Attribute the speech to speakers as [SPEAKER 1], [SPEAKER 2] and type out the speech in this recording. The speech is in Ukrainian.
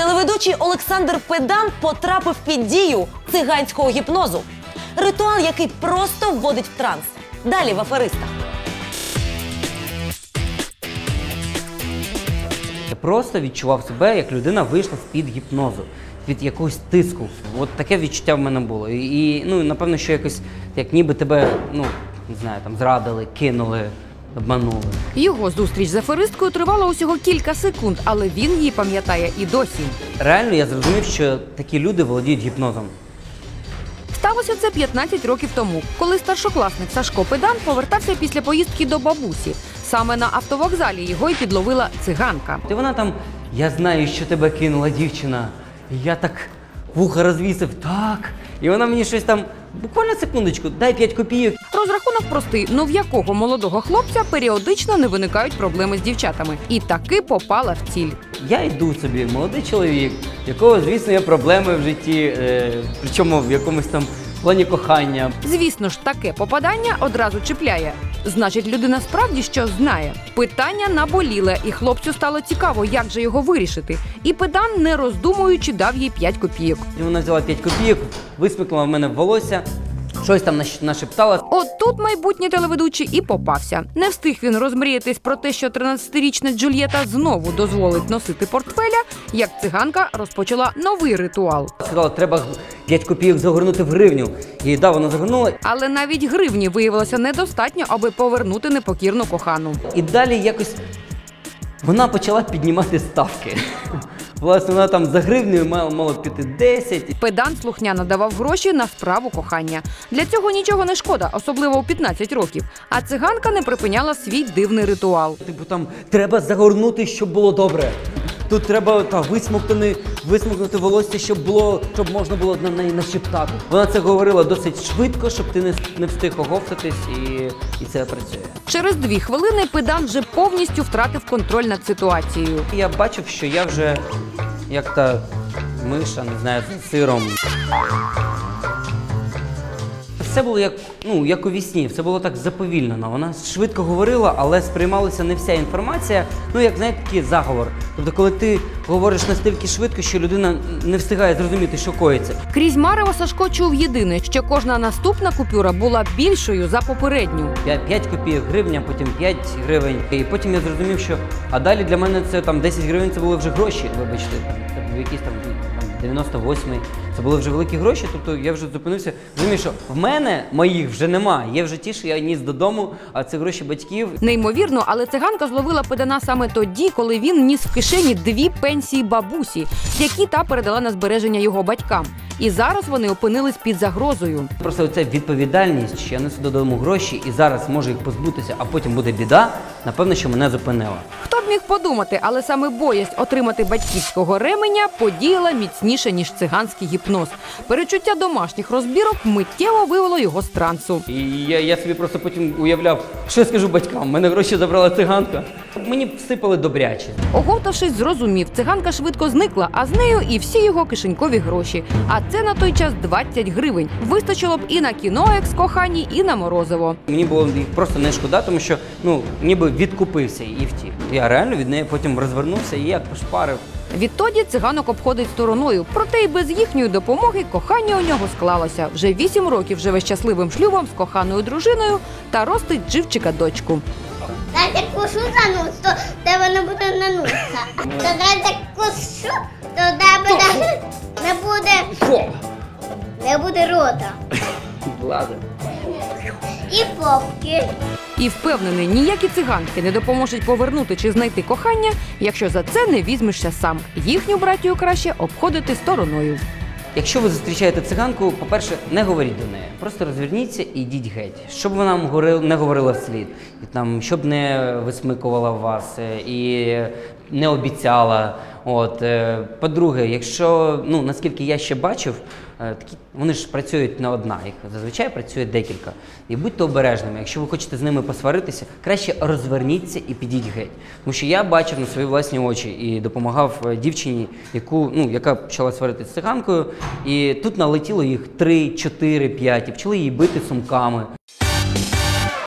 [SPEAKER 1] Телеведучий Олександр Педан потрапив під дію циганського гіпнозу. Ритуал, який просто вводить в транс. Далі в «Аферистах».
[SPEAKER 2] Я просто відчував себе, як людина вийшла з-під гіпнозу, від якогось тиску. От таке відчуття в мене було. І напевно, що якось, як ніби тебе, не знаю, там зрадили, кинули, обманули.
[SPEAKER 3] Його зустріч з аферисткою тривала усього кілька секунд, але він її пам'ятає і досі.
[SPEAKER 2] Реально я зрозумів, що такі люди володіють гіпнозом.
[SPEAKER 3] Сталося це 15 років тому, коли старшокласник Сашко Педан повертався після поїздки до бабусі. Саме на автовокзалі його й підловила циганка.
[SPEAKER 2] І вона там: я знаю, що тебе кинула дівчина. І я так вуха розвісив, так. І вона мені щось там, буквально секундочку, дай 5 копійок.
[SPEAKER 3] Розрахунок простий, в якого молодого хлопця періодично не виникають проблеми з дівчатами. І таки попала в ціль.
[SPEAKER 2] Я йду собі, молодий чоловік, в якого, звісно, є проблеми в житті, причому в якомусь там плані кохання.
[SPEAKER 3] Звісно ж, таке попадання одразу чіпляє. Значить, людина справді щось знає. Питання наболіле, і хлопцю стало цікаво, як же його вирішити. І Педан, не роздумуючи, дав їй 5 копійок.
[SPEAKER 2] І вона взяла 5 копійок, висмикнула в мене в волосся, щось там нашептала.
[SPEAKER 3] От тут майбутній телеведучий і попався. Не встиг він розмріятись про те, що 13-річна Джульєта знову дозволить носити портфеля, як циганка розпочала новий ритуал.
[SPEAKER 2] Сказала, треба 5 копійок загорнути в гривню. І да, вона загорнула.
[SPEAKER 3] Але навіть гривні виявилося недостатньо, аби повернути непокірну кохану.
[SPEAKER 2] І далі якось вона почала піднімати ставки. Власне, вона там за гривнею мала піти 10.
[SPEAKER 3] Педан слухняно давав гроші на справу кохання. Для цього нічого не шкода, особливо у 15 років. А циганка не припиняла свій дивний ритуал.
[SPEAKER 2] Типу там, треба загорнути, щоб було добре. Тут треба висмокнути волосся, щоб можна було на неї нашептати. Вона це говорила досить швидко, щоб ти не встиг оговтатись, і це працює.
[SPEAKER 3] Через 2 хвилини Педан вже повністю втратив контроль над ситуацією.
[SPEAKER 2] Я бачив, що я вже як та миша, не знаю, з сиром. Все було як у вісні, все було так заповільнено. Вона швидко говорила, але сприймалася не вся інформація, як, знаєте, такий заговор. Тобто, коли ти говориш настільки швидко, що людина не встигає зрозуміти, що коїться.
[SPEAKER 3] Крізь марево Сашко чув єдине, що кожна наступна купюра була більшою за попередню.
[SPEAKER 2] 5 копійок гривня, потім 5 гривень. І потім я зрозумів, що, а далі для мене це там 10 гривень, це були вже гроші, вибачте, там якісь там 98-й. Це були вже великі гроші, тобто я вже зупинився. Розумію, що в мене моїх вже нема. Є вже ті, що я ніс додому, а це гроші батьків.
[SPEAKER 3] Неймовірно, але циганка зловила Педана саме тоді, коли він ніс в кишені 2 пенсії бабусі, які та передала на збереження його батькам. І зараз вони опинились під загрозою.
[SPEAKER 2] Просто оця відповідальність, що я несу додому гроші і зараз можу їх позбутися, а потім буде біда, напевно, що мене зупинила.
[SPEAKER 3] Хто б міг подумати, але саме боязнь отримати батьківського ременя подіяла міцніше, ніж циганський гіпноз. Перечуття домашніх розбірок миттєво вивело його з трансу.
[SPEAKER 2] І я собі просто потім уявляв, що я скажу батькам, мене гроші забрала циганка. Мені всипали добряче.
[SPEAKER 3] Оговтавшись, зрозумів, циганка швидко зникла, а з нею і всі його кишенькові гроші. А це на той час 20 гривень. Вистачило б і на кіно екс-коханій, і на морозиво.
[SPEAKER 2] Мені було їх просто не шкода, тому що, ніби відкупився і втік. Я реально від неї потім розвернувся і як пошпарив.
[SPEAKER 3] Відтоді циганок обходить стороною, проте й без їхньої допомоги кохання у нього склалося. Вже 8 років живе щасливим шлюбом з коханою дружиною та ростить живчика-дочку.
[SPEAKER 4] Дайте кушу за нос, то тебе не буде на носа. То дайте кушу, то тебе не буде рота.
[SPEAKER 2] Ладно.
[SPEAKER 4] І попки.
[SPEAKER 3] І впевнений, ніякі циганки не допоможуть повернути чи знайти кохання, якщо за це не візьмешся сам. Їхню братію краще обходити стороною.
[SPEAKER 2] Якщо ви зустрічаєте циганку, по-перше, не говоріть до неї. Просто розверніться і йдіть геть. Щоб вона вам не говорила вслід, щоб не висмикувала вас і не обіцяла. По-друге, якщо, наскільки я ще бачив, вони ж працюють не одна, їх зазвичай працює декілька. І будьте обережними, якщо ви хочете з ними посваритися, краще розверніться і підіть геть. Тому що я бачив на свої власні очі і допомагав дівчині, яка почала сваритися з циганкою, і тут налетіло їх 3, 4, 5, і почали її бити сумками.